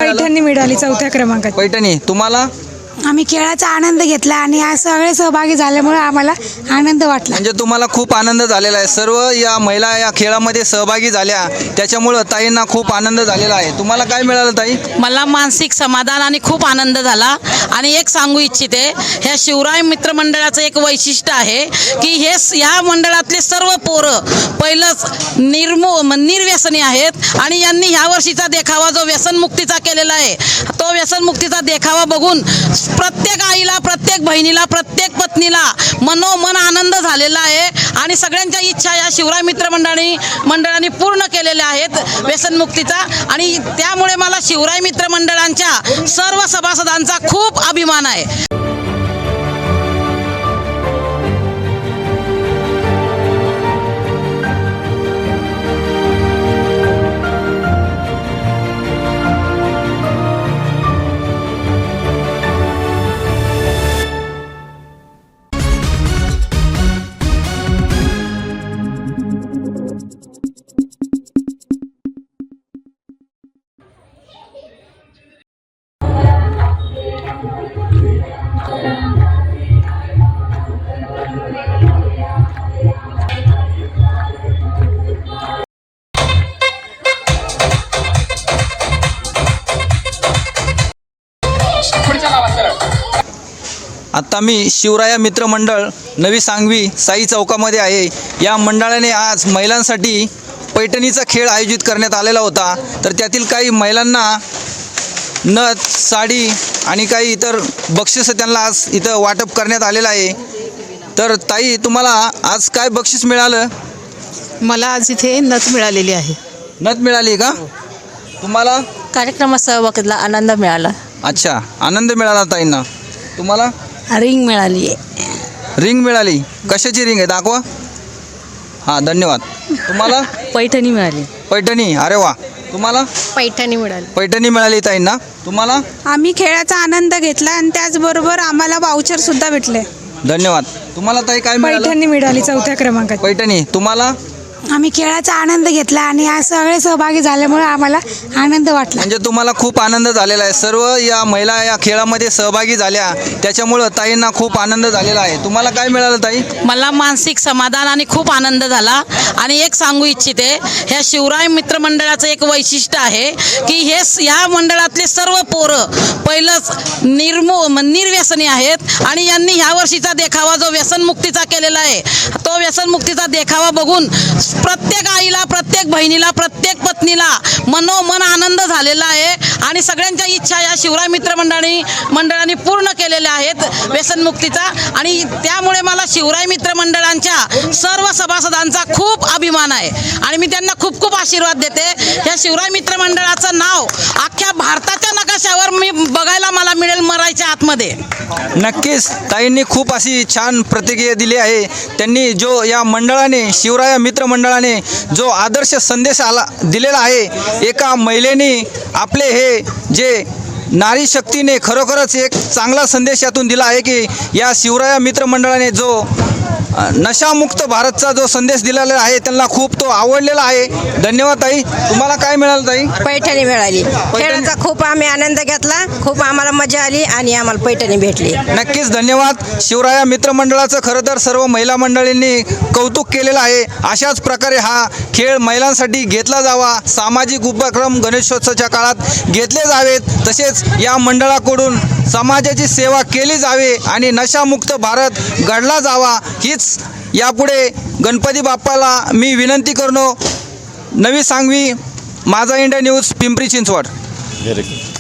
मिळालं? पैठणी मिळाली 4थ्या क्रमांकात. पैठणी. तुम्हाला? आम्ही खेळाचा आनंद घेतला आणि आज सगळे सहभागी झाल्यामुळे आम्हाला आनंद वाटला. म्हणजे तुम्हाला खूप आनंद झालेला आहे. सर्व या महिला या खेळामध्ये सहभागी झाल्या त्याच्यामुळं ताईंना खूप आनंद झालेला आहे. तुम्हाला काय मिळालं ताई? मला मानसिक समाधान आणि खूप आनंद झाला. आणि एक सांगू इच्छिते, ह्या शिवराय मित्र मंडळाचं एक वैशिष्ट्य आहे की ह्या मंडळातले सर्व पोरं पहिलंच निर्व्यसनी आहेत आणि यांनी ह्या वर्षीचा देखावा जो व्यसनमुक्तीचा केलेला आहे तो व्यसनमुक्तीचा देखावा बघून प्रत्येक आईला, प्रत्येक बहिणीला, प्रत्येक पत्नीला मनोमन आनंद झालेला आहे. आणि सगळ्यांच्या इच्छा या शिवराय मित्र मंडळाने पूर्ण केलेल्या आहेत व्यसनमुक्तीचा. आणि त्यामुळे मला शिवराय मित्र मंडळांच्या सर्व सभासदांचा खूप अभिमान आहे. आत्ता मी शिवराया मित्र मंडळ नवी सांगवी साई चौकामध्ये आहे. या मंडळाने आज महिलांसाठी पैठणीचा खेळ आयोजित करण्यात आलेला होता. तर त्यातील काही महिलांना नथ, साडी आणि काही इतर बक्षीस त्यांना आज इथं वाटप करण्यात आलेलं आहे. तर ताई, तुम्हाला आज काय बक्षीस मिळालं? मला आज इथे नथ मिळालेली आहे. नथ मिळाली का? तुम्हाला? कार्यक्रमात सहभागातला आनंद मिळाला. अच्छा, आनंद मिळाला ताईंना. तुम्हाला? रिंग मिळाली आहे. रिंग मिळाली. कशाची रिंग आहे? दाखवा. हां, धन्यवाद. तुम्हाला? पैठणी मिळाली. पैठणी. अरे वा. तुम्हाला? पैठणी मिळाली. पैठणी मिळाली ताईंना. तुम्हाला? आम्ही खेळाचा आनंद घेतला आणि त्याचबरोबर आम्हाला वाउचर सुद्धा भेटले. धन्यवाद. तुम्हाला ताई काय मिळालं? पैठणी मिळाली 4थ्या क्रमांकात. पैठणी. तुम्हाला? आम्ही खेळाचा आनंद घेतला आणि आज सगळे सहभागी झाल्यामुळे आम्हाला आनंद वाटला. म्हणजे तुम्हाला खूप आनंद झालेला आहे. सर्व या महिला या खेळामध्ये सहभागी झाल्या त्याच्यामुळं ताईंना खूप आनंद झालेला आहे. तुम्हाला काय मिळालं ताई? मला मानसिक समाधान आणि खूप आनंद झाला. आणि एक सांगू इच्छिते, ह्या शिवराय मित्र मंडळाचं एक वैशिष्ट्य आहे की ह्या मंडळातले सर्व पोरं पहिलंच निर्व्यसनी आहेत आणि यांनी ह्या वर्षीचा देखावा जो व्यसनमुक्तीचा केलेला आहे तो व्यसनमुक्तीचा देखावा बघून प्रत्येक आईला, प्रत्येक बहिणीला, प्रत्येक पत्नीला मनोमन आनंद झालेला आहे. आणि सगळ्यांच्या इच्छा या शिवराय मित्र मंडळाने पूर्ण केलेल्या आहेत व्यसनमुक्तीचा. आणि त्यामुळे मला शिवराय मित्र मंडळांच्या सर्व सभासदांचा खूप अभिमान आहे. आणि मी त्यांना खूप खूप आशीर्वाद देते. या शिवराय मित्र मंडळाचं नाव अख्ख्या भारताच्या नकाशावर बघायला मला मिळेल मरायच्या आतमध्ये. नक्कीच ताईंनी खूप अशी छान प्रतिक्रिया दिली आहे. त्यांनी जो या मंडळाने, शिवराया मित्र मंडळाने जो आदर्श संदेश दिलेला आहे, एका महिलेने आपले हे जे नारी शक्तीने खरोखरच एक चांगला संदेश यातून दिला आहे की या शिवराया मित्र मंडळाने जो नशामुक्त भारतचा जो संदेश दिलेला आहे त्यांना खूप तो आवडलेला आहे. धन्यवाद ताई. तुम्हाला काय मिळालं ताई? पैठणी मिळाली. खेळाचा खूप आम्ही आनंद घेतला. खूप आम्हाला मजा आली आणि आम्हाला पैठणी भेटली. नक्कीच धन्यवाद. शिवराया मित्र मंडळाचं खरं तर सर्व महिला मंडळींनी कौतुक केलेलं आहे. अशाच प्रकारे हा खेळ महिलांसाठी घेतला जावा. सामाजिक उपक्रम गणेशोत्सवाच्या काळात घेतले जावेत. तसेच या मंडळाकडून समाजाची सेवा केली जावे आणि नशामुक्त भारत घडला जावा हीच यापुढे गणपती बाप्पाला मी विनंती करतो. नवी सांगवी, माझा इंडिया न्यूज, पिंपरी चिंचवड.